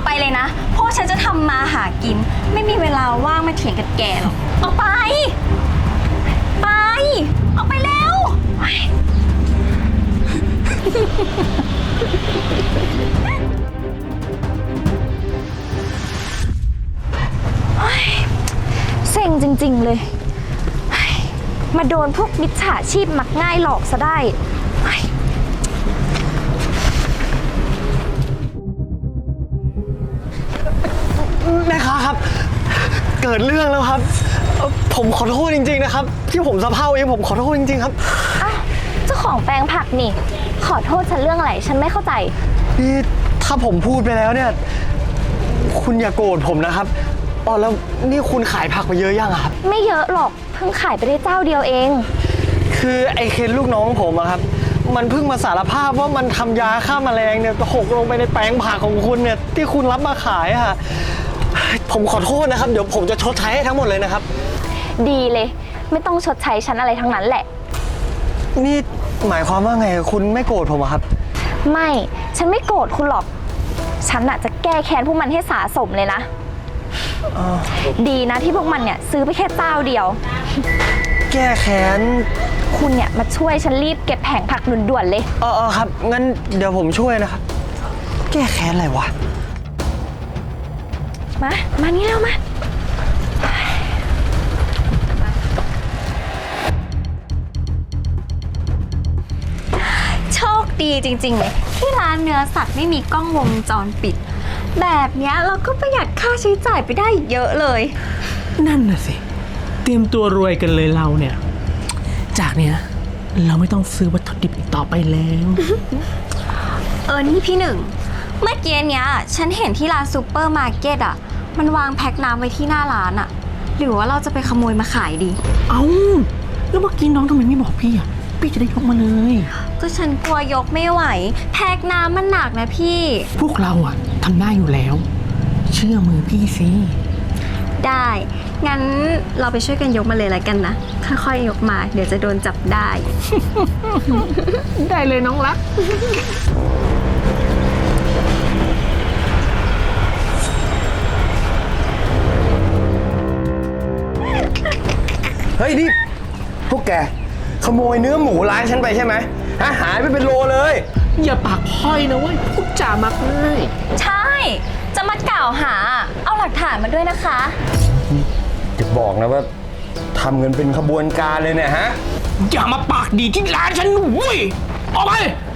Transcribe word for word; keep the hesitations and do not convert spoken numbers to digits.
ไปเลยนะเพราะฉันจะทำมาหากินไม่มีเวลาว่างมาเถียงกับแกหรอกออกไปไปออกไปเร็วเซ็งจริงๆเลยมาโดนพวกมิจฉาชีพมักง่ายหลอกซะได้แม่ค้าครับเกิดเรื่องแล้วครับผมขอโทษจริงๆนะครับที่ผมสะเพร่าเองผมขอโทษจริงๆครับอ้าวเจ้าของแปลงผักนี่ขอโทษฉันเรื่องอะไรฉันไม่เข้าใจนี่ถ้าผมพูดไปแล้วเนี่ยคุณอย่าโกรธผมนะครับอ๋อแล้วนี่คุณขายผักไปเยอะยังครับไม่เยอะหรอกเพิ่งขายไปได้เจ้าเดียวเองคือไอ้เคนลูกน้องผมอะครับมันเพิ่งมาสารภาพว่ามันทำยาฆ่าแมลงเนี่ยหกลงไปในแปลงผักของคุณเนี่ยที่คุณรับมาขายอะผมขอโทษนะครับเดี๋ยวผมจะชดใช้ให้ทั้งหมดเลยนะครับดีเลยไม่ต้องชดใช้ฉันอะไรทั้งนั้นแหละนี่หมายความว่าไงคุณไม่โกรธผมอะครับไม่ฉันไม่โกรธคุณหรอกฉันอะจะแก้แค้นพวกมันให้สาสมเลยนะดีนะที่พวกมันเนี่ยซื้อไปแค่เจ้าเดียวแก้แค้นคุณเนี่ยมาช่วยฉันรีบเก็บแผงผักด่วนๆเลยเออครับงั้นเดี๋ยวผมช่วยนะครับแก้แค้นอะไรวะมามานี่แล้วมาโชคดีจริงๆเลยที่ร้านเนื้อสัตว์ไม่มีกล้องวงจรปิดแบบเนี้ยเราก็ประหยัดค่าใช้จ่ายไปได้เยอะเลยนั่นน่ะสิเตรียมตัวรวยกันเลยเราเนี่ยจากเนี้ยเราไม่ต้องซื้อวัตถุดิบอีกต่อไปแล้วเออนี่พี่หนึ่งเมื่อกี้เนี้ยฉันเห็นที่ร้านซูเปอร์มาร์เก็ตอ่ะมันวางแพ็คน้ำไว้ที่หน้าร้านอ่ะหรือว่าเราจะไปขโมยมาขายดีเอ้าแล้วเมื่อกี้น้องทำไมไม่บอกพี่อ่ะพี่จะได้ยกมาเลยก็ฉันกลัวยกไม่ไหวแพ็คน้ำมันหนักนะพี่พวกเราอ่ะทำได้อยู่แล้วเชื่อมือพี่สิได้งั้นเราไปช่วยกันยกมาเลยแล้วกันนะค่อยๆยกมาเดี๋ยวจะโดนจับได้ได้เลยน้องรักเฮ้ยนี่พวกแกขโมยเนื้อหมูร้านฉันไปใช่ไหมฮะหายไปเป็นโลเลยอย่าปากพ้อยนะเว้ยพูดจามักง่ายใช่จะมากล่าวหาเอาหลักฐานมาด้วยนะคะจะบอกนะว่าทำเงินเป็นขบวนการเลยเนี่ยฮะอย่ามาปากดีที่ร้านฉันเว้ยออกไป